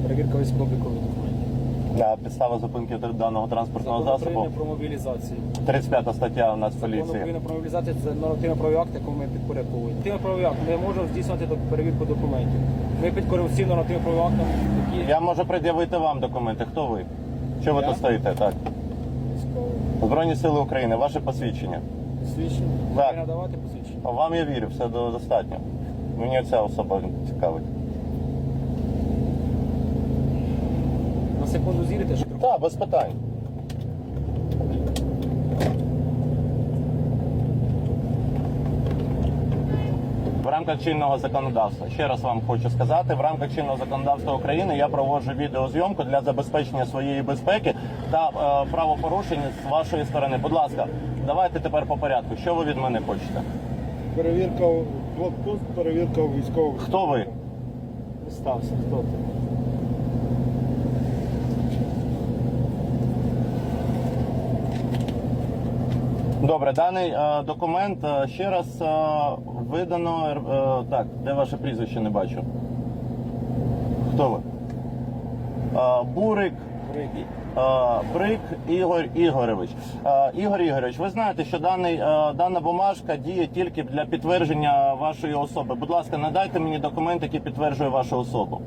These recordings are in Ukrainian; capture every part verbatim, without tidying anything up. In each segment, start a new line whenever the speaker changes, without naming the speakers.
Перевірка військово-облікових документів.
Да, підстава зупинки даного транспортного
Закон
засобу.
України про мобілізацію.
тридцять п'ята стаття у нас
Закон
поліції.
України про мобілізацію – це нормативно-правовий акт, якому ми підпорядковуємо. Нормативно-правовий акт. Ми можемо здійснювати до- перевірку документів. Ми підкоримо всім нормативно-правовим актам, які
Я можу пред'явити вам документи. Хто ви? Що ви
Я?
тут стоїте? Так.
військові.
Збройні сили України, ваше посвідчення.
Свідчення.
Так.
Ви надавати посвідчення.
Вам я вірю, все до- достатньо. Мені ця особа цікавить.
На секунду зірите, що
Так, без питань. В рамках чинного законодавства, ще раз вам хочу сказати, в рамках чинного законодавства України я проводжу відеозйомку для забезпечення своєї безпеки та е, правопорушень з вашої сторони. Будь ласка, давайте тепер по порядку. Що ви від мене хочете?
Перевірка у блокпост, перевірка у військових.
Хто ви?
стався, хто ти?
Добре, даний е, документ е, ще раз е, видано. Е, так, де ваше прізвище, не бачу. Хто ви? Е, Бурик. Е, Брик Ігор Ігорович. Е, Ігор Ігорович, ви знаєте, що даний, е, дана бумажка діє тільки для підтвердження вашої особи. Будь ласка, надайте мені документ, який підтверджує вашу особу.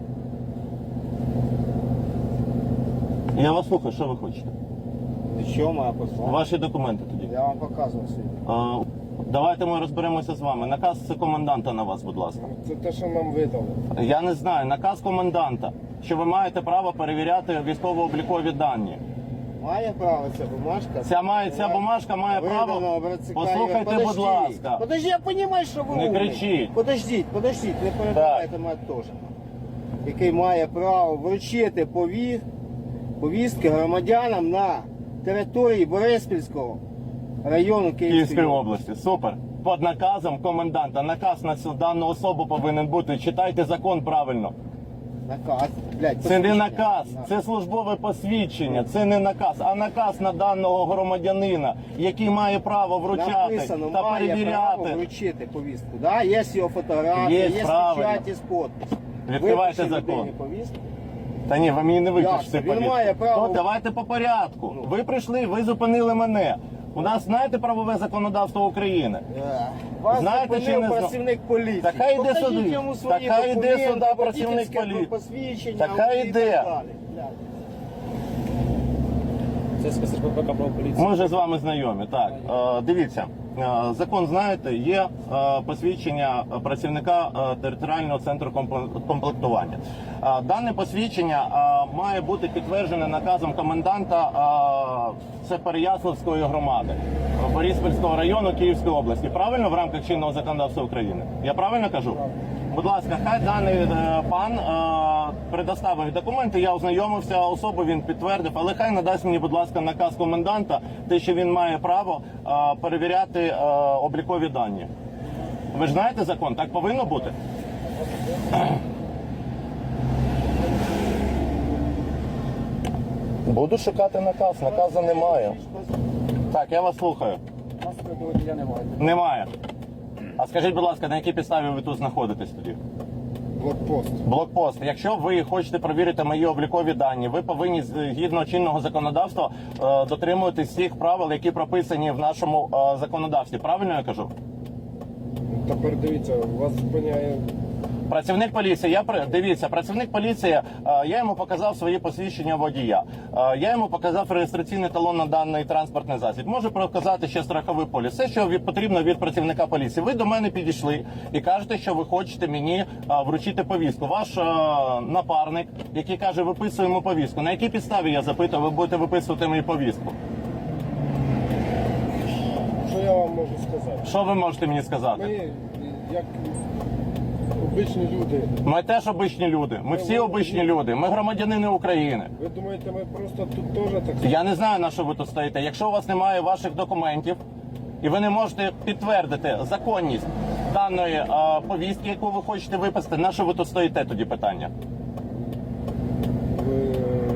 Я вас слухаю, що ви хочете?
Що моя послуга?
Ваші документи тоді.
Я вам показував сьогодні.
Е, Давайте ми розберемося з вами. Наказ коменданта на вас, будь ласка.
Це те, що нам видали.
Я не знаю. Наказ коменданта, що ви маєте право перевіряти військово-облікові дані.
Має право ця бумажка?
Ця має ця бумажка має право.
Видано, братці,
Послухайте,
Подождіть.
будь ласка.
Подожди, я розумію, що ви
Не
умний.
кричіть.
Подождіть, подождіть, не перебивайте мене теж. Який має право вручити пові... повістки громадянам на території Бориспільського району Київської
Київської
області.
області. Супер. Під наказом коменданта. Наказ на цю дану особу повинен бути. Читайте закон правильно.
Наказ. Блядь,
Це не
посвідчення.
наказ, це службове посвідчення, це не наказ, а наказ на даного громадянина, який має право вручати
Написано,
та
має право
перевіряти.
вручити повістку. Да? Є його фотографії,
Є,
є
правильно.
печаті з подписом.
Відкривайте
Випиши
закон.
людині повістку.
Та ні, ви мені не випишете
Як це? Він
повістку.
має право-
То давайте по порядку. Ви прийшли, ви зупинили мене. У нас, знаєте, правове законодавство України.
Вас
Знаєте, чи
зупинив
не зна-
працівник поліції.
Та хай йде
Покажіть
сюди.
йому свої
Та хай йде
документи,
сюди працівник
водительське
поліції.
посвідчення
Та хай
і
йде.
так далі. Блядь.
Це спецслужба ППК про поліцію.
Ми вже з вами знайомі. Так, е, дивіться, е, закон знаєте, є е, посвідчення працівника е, територіального центру компле- комплектування. Е, Дане посвідчення е, має бути підтверджене наказом коменданта е, це Переяславської громади е, Бориспільського району Київської області. Правильно в рамках чинного законодавства України? Я правильно кажу? Будь ласка, хай даний е, пан е, предоставив документи, я ознайомився, особу він підтвердив, але хай надасть мені, будь ласка, наказ коменданта, те, що він має право е, перевіряти е, облікові дані. Ви ж знаєте закон, так повинно бути? Буду шукати наказ, наказу немає. Так, я вас слухаю.
У нас такого водія немає.
Немає. А скажіть, будь ласка, на якій підставі ви тут знаходитесь тоді?
Блокпост.
Блокпост. Якщо ви хочете перевірити мої облікові дані, ви повинні згідно чинного законодавства е, дотримуватись всіх правил, які прописані в нашому е, законодавстві. Правильно я кажу?
Тепер дивіться, вас зупиняє.
Працівник поліції, я при- дивіться, працівник поліції, е, я йому показав свої посвідчення водія. Е, Я йому показав реєстраційний талон на даний транспортний засіб. Можу показати ще страховий поліс. Все, що від- потрібно від працівника поліції. Ви до мене підійшли і кажете, що ви хочете мені е, вручити повістку. Ваш е, напарник, який каже, виписуємо повістку. На якій підставі, я запитую, ви будете виписувати мені повістку?
Що я вам можу сказати?
Що ви можете мені сказати?
Ми, як обичні люди,
Ми теж обичні люди. Ми всі обичні люди. Ми громадянини України.
ви думаєте, ми просто тут теж так само?
Я не знаю, на що ви тут стоїте. Якщо у вас немає ваших документів і ви не можете підтвердити законність даної е, повістки, яку ви хочете виписати, на що ви тут стоїте, тоді питання?
Ви...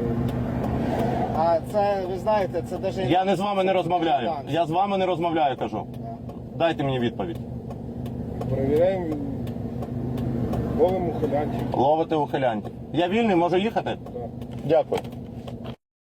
А це, ви знаєте, це навіть...
Я не з вами не розмовляю. Я з вами не розмовляю, кажу. Дайте мені відповідь.
Перевіряємо
Ловимо ухилянтів.
Ловите ухилянтів. Я вільний, можу їхати?
Так.
Дякую.